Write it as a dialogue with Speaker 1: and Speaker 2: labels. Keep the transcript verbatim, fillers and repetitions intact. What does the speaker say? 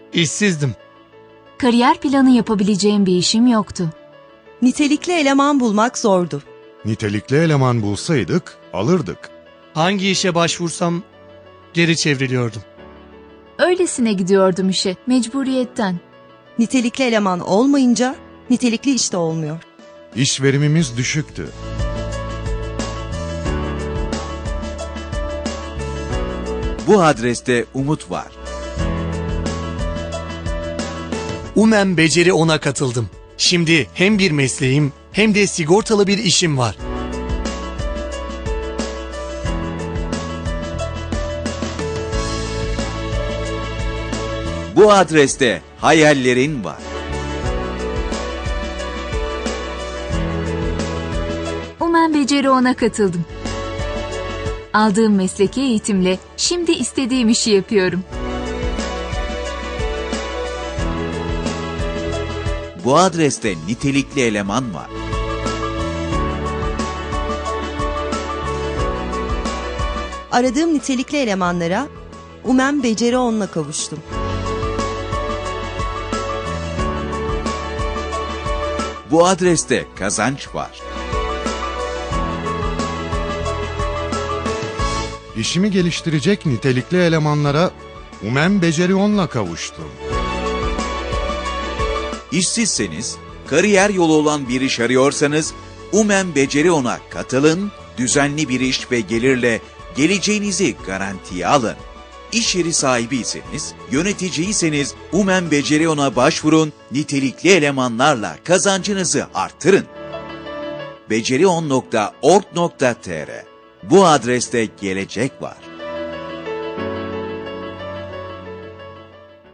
Speaker 1: İşsizdim.
Speaker 2: Kariyer planı yapabileceğim bir işim yoktu.
Speaker 3: Nitelikli eleman bulmak zordu.
Speaker 4: Nitelikli eleman bulsaydık alırdık.
Speaker 1: Hangi işe başvursam geri çevriliyordum.
Speaker 2: Öylesine gidiyordum işe, mecburiyetten.
Speaker 3: Nitelikli eleman olmayınca nitelikli iş de olmuyor.
Speaker 4: İş verimimiz düşüktü.
Speaker 5: Bu adreste umut var.
Speaker 1: Umen Beceri On'a katıldım. Şimdi hem bir mesleğim hem de sigortalı bir işim var.
Speaker 5: Bu adreste hayallerin var.
Speaker 2: Umen Beceri On'a katıldım. Aldığım mesleki eğitimle şimdi istediğim işi yapıyorum.
Speaker 5: Bu adreste nitelikli eleman var.
Speaker 3: Aradığım nitelikli elemanlara Umen Beceri On'la kavuştum.
Speaker 5: Bu adreste kazanç var.
Speaker 4: İşimi geliştirecek nitelikli elemanlara Umen Beceri On'la kavuştum.
Speaker 5: İşsizseniz, kariyer yolu olan bir iş arıyorsanız, Umen Beceri On'a katılın, düzenli bir iş ve gelirle geleceğinizi garantiye alın. İş yeri sahibiyseniz, yöneticiyseniz Umen Beceri On'a başvurun, nitelikli elemanlarla kazancınızı artırın. becerion nokta org nokta tr Bu adreste gelecek var.